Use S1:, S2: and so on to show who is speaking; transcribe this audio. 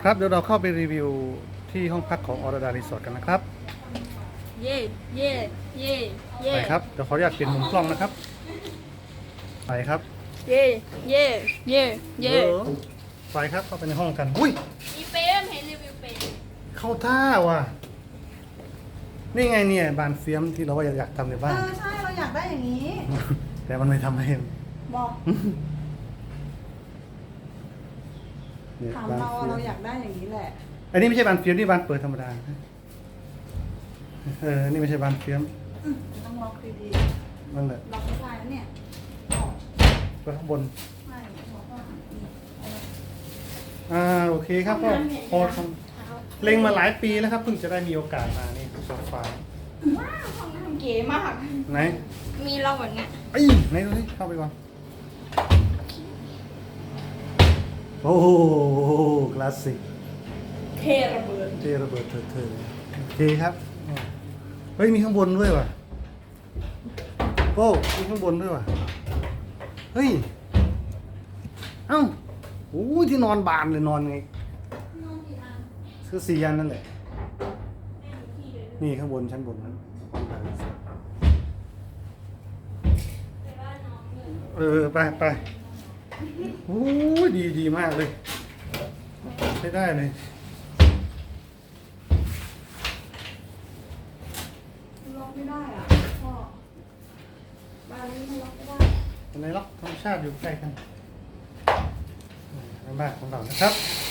S1: ครับเดี๋ยวเราเข้าไปรีวิวที่ห้องพักของออร์ดารีสอร์ทกันนะครับ
S2: เย่เย่เย่เย่
S1: ไปครับเดี๋ยวขออนุญาตเปลี่ยนมุมกล้องนะครับไปครับ
S2: เย่เย่เย่เย่
S1: ไปครับเข้าไปในห้องกันอุ้ย
S2: มีเปรมเห็นรีวิวเปรม
S1: เข้าท่าว่ะนี่ไงเนี่ยบานเฟียมที่เราว่าอยากทำในบ้าน
S3: ใช่เราอยากได้อย่างนี้
S1: แต่มันไม่ทำให้
S3: บอก
S1: เนี่ย
S3: ถาม
S1: บาน
S3: เรา
S1: เฟีย
S3: เรา
S1: ม
S3: อยากได้อย่างนี้แหละ
S1: อันนี้ไม่ใช่บานเฟียมนี่บานเปิดธรรมดานี่ไม่ใช่บานเฟียม
S3: ต้องล็อกดี
S1: นั่นแหละ
S3: ๆล็อกไม่ได้แล้วเนี่ย
S1: ไปข้างบน
S3: ไม่บอกว่า
S1: โอเคครับก็พอทำเล็งมาหลายปีแล้วครับเพิ่งจะได้มีโอกาสมานี่โซฟา
S2: ว้าวห้องน้ำเก๋มาก
S1: ไหน
S2: มีเราแบบเนี้ย
S1: ไหนดูสิเข้าไปก่อนโอ้โหคลาสสิก
S2: เทระเบิด
S1: เทระเบิดเถิดโอเคครับเฮ้ยมีข้างบนด้วยว่ะโอ้มีข้างบนด้วยว่ะเฮ้ยเอ้าโอ้ยที่นอนบานเลยนอนไงคือ4 อันนั่นแหละนี่ข้างบนชั้นบนนั้นไปโอ้ยดีมากเลยใช้ได้เลย
S3: ล็อกไม่ได้อ่ะพ่อบ้านนี้มันล็อกไม่ได้
S1: ในล็อกธรรมชาติอยู่ใกล้กันในบ้านของเรานะครับ